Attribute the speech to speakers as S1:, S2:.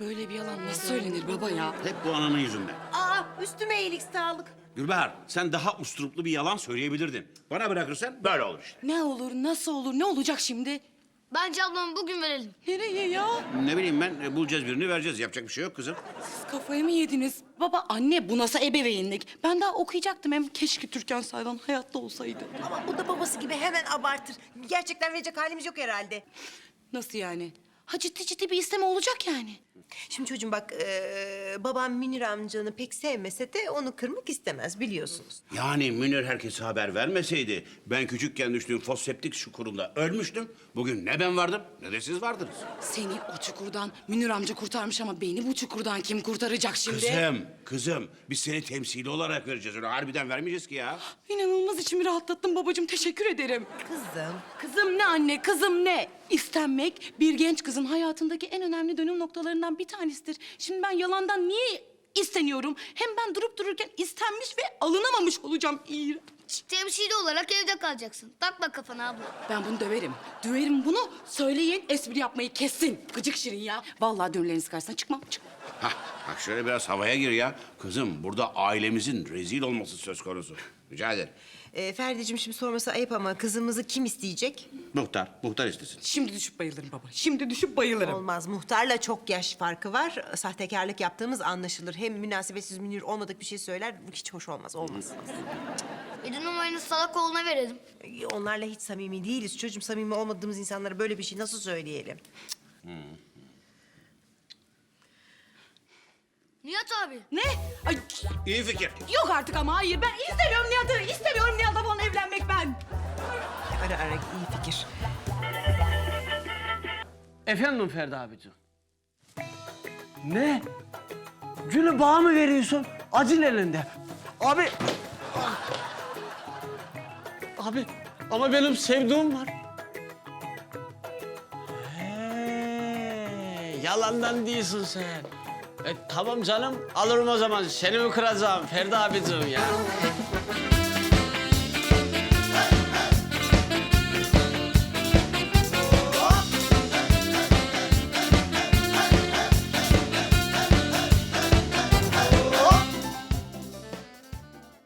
S1: Böyle bir yalan nasıl söylenir baba ya?
S2: Hep bu ananın yüzünden.
S3: Aa, üstüme iyilik sağlık.
S2: Gülbahar, sen daha usturuplu bir yalan söyleyebilirdin. Bana bırakırsan böyle olur işte.
S1: Ne olur, nasıl olur, ne olacak şimdi?
S4: Bence ablamı bugün verelim.
S1: Nereye ya?
S2: Ne bileyim ben, bulacağız birini vereceğiz. Yapacak bir şey yok kızım.
S1: Siz kafayı mı yediniz? Baba, anne bu nasıl ebeveynlik? Ben daha okuyacaktım hem keşke Türkan Saylan hayatta olsaydı.
S3: Ama o da babası gibi hemen abartır. Gerçekten verecek halimiz yok herhalde.
S1: Nasıl yani? Ha ciddi bir isteme olacak yani.
S3: Şimdi çocuğum bak, babam Münir amcanı pek sevmese de onu kırmak istemez biliyorsunuz.
S2: Yani Münir herkese haber vermeseydi... ...ben küçükken düştüğüm foseptik çukurunda ölmüştüm. Bugün ne ben vardım ne de siz vardınız.
S1: Seni o çukurdan Münir amca kurtarmış ama beni bu çukurdan kim kurtaracak şimdi?
S2: Kızım, biz seni temsili olarak vereceğiz. Öyle harbiden vermeyeceğiz ki ya.
S1: İnanılmaz içimi rahatlattın babacığım, teşekkür ederim.
S3: Kızım.
S1: Kızım ne anne, kızım ne? İstenmek bir genç kızın hayatındaki en önemli dönüm noktalarından bir tanesidir. Şimdi ben yalandan niye isteniyorum? Hem ben durup dururken istenmiş ve alınamamış olacağım. İğrenç.
S4: Temsili olarak evde kalacaksın. Takma kafana abla.
S1: Ben bunu döverim. Döverim bunu. Söyleyin, espri yapmayı kessin. Gıcık Şirin ya. Vallahi dönüleriniz karşısına çıkmam.
S2: Hah, bak şöyle biraz havaya gir ya. Kızım, burada ailemizin rezil olması söz konusu. Rica ederim.
S3: Ferdi'cim şimdi sorması ayıp ama kızımızı kim isteyecek?
S2: Muhtar istesin.
S1: Şimdi düşüp bayılırım baba. Şimdi düşüp bayılırım.
S3: Olmaz. Muhtarla çok yaş farkı var. Sahtekarlık yaptığımız anlaşılır. Hem münasebetsiz Münir olmadık bir şey söyler. Bu hiç hoş olmaz. Olmaz.
S4: Bir numaranı salak oğluna verelim.
S3: Onlarla hiç samimi değiliz. Çocuğum, samimi olmadığımız insanlara böyle bir şey nasıl söyleyelim?
S4: Nihat abi.
S1: Ne? Ay,
S2: İyi fikir.
S1: yok artık ama hayır. Ben istemiyorum Nihat'ı. İstemiyorum Nihat'la falan evlenmek ben.
S3: Ara iyi fikir.
S5: Efendim Ferdi abicim. Ne? Gülü bana mı veriyorsun? Acil elinde. Abi. Abi ama benim sevduğum var. Yalandan değilsin sen. Tamam canım, alırım o zaman. Seni mi kıracağım Ferdi abicim ya?